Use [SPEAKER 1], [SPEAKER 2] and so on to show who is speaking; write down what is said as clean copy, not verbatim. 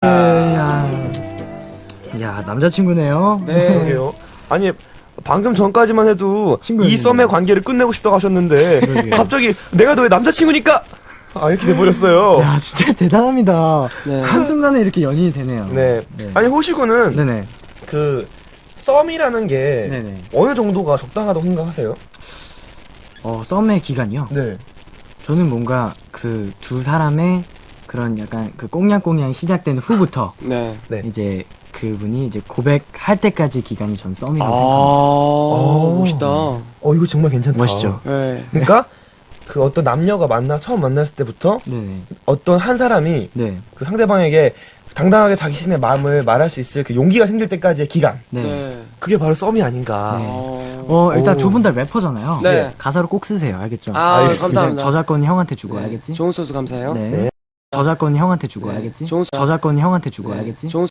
[SPEAKER 1] 야, 남자친구네요.
[SPEAKER 2] 네.
[SPEAKER 3] 그러게요. 아니 방금 전까지만 해도
[SPEAKER 1] 친구였는데.
[SPEAKER 3] 이 썸의 관계를 끝내고 싶다고 하셨는데
[SPEAKER 1] 그러게요.
[SPEAKER 3] 갑자기 내가 너의 남자친구니까 이렇게 돼버렸어요.
[SPEAKER 1] 야, 진짜 대단합니다.
[SPEAKER 2] 네.
[SPEAKER 1] 한순간에 이렇게 연인이 되네요.
[SPEAKER 3] 네.
[SPEAKER 1] 네.
[SPEAKER 3] 아니 호시군은
[SPEAKER 1] 네네.
[SPEAKER 3] 그 썸이라는 게
[SPEAKER 1] 네네.
[SPEAKER 3] 어느 정도가 적당하다고 생각하세요?
[SPEAKER 1] 썸의 기간이요?
[SPEAKER 3] 네.
[SPEAKER 1] 저는 뭔가 그 두 사람의 그런 약간 그 꽁냥꽁냥 시작된 후부터
[SPEAKER 2] 네.
[SPEAKER 3] 네.
[SPEAKER 1] 이제 그분이 이제 고백할 때까지 기간이 전 썸이라고
[SPEAKER 2] 멋있다.
[SPEAKER 3] 이거 정말 괜찮다.
[SPEAKER 1] 멋있죠?
[SPEAKER 2] 네.
[SPEAKER 3] 그러니까 그 어떤 남녀가 처음 만났을 때부터
[SPEAKER 1] 생각합니다. 네네.
[SPEAKER 3] 어떤 한 사람이
[SPEAKER 1] 네.
[SPEAKER 3] 그 상대방에게 당당하게 자기 자신의 마음을 말할 수 있을 그 용기가 생길 때까지의 기간.
[SPEAKER 1] 네.
[SPEAKER 2] 네.
[SPEAKER 3] 그게 바로 썸이 아닌가.
[SPEAKER 1] 네. 일단
[SPEAKER 3] 오.
[SPEAKER 1] 두 분 다 래퍼잖아요.
[SPEAKER 2] 네.
[SPEAKER 1] 가사로 꼭 쓰세요. 알겠죠?
[SPEAKER 3] 알겠습니다.
[SPEAKER 2] 감사합니다.
[SPEAKER 1] 이제 저작권은 형한테 주고
[SPEAKER 2] 네.
[SPEAKER 1] 알겠지?
[SPEAKER 2] 좋은 소스 감사해요.
[SPEAKER 1] 네.
[SPEAKER 3] 네.
[SPEAKER 1] 저작권은 형한테 주고
[SPEAKER 2] 네.
[SPEAKER 1] 알겠지?
[SPEAKER 2] 좋은
[SPEAKER 1] 저작권은 형한테 주고
[SPEAKER 2] 네.
[SPEAKER 1] 알겠지?
[SPEAKER 2] 좋은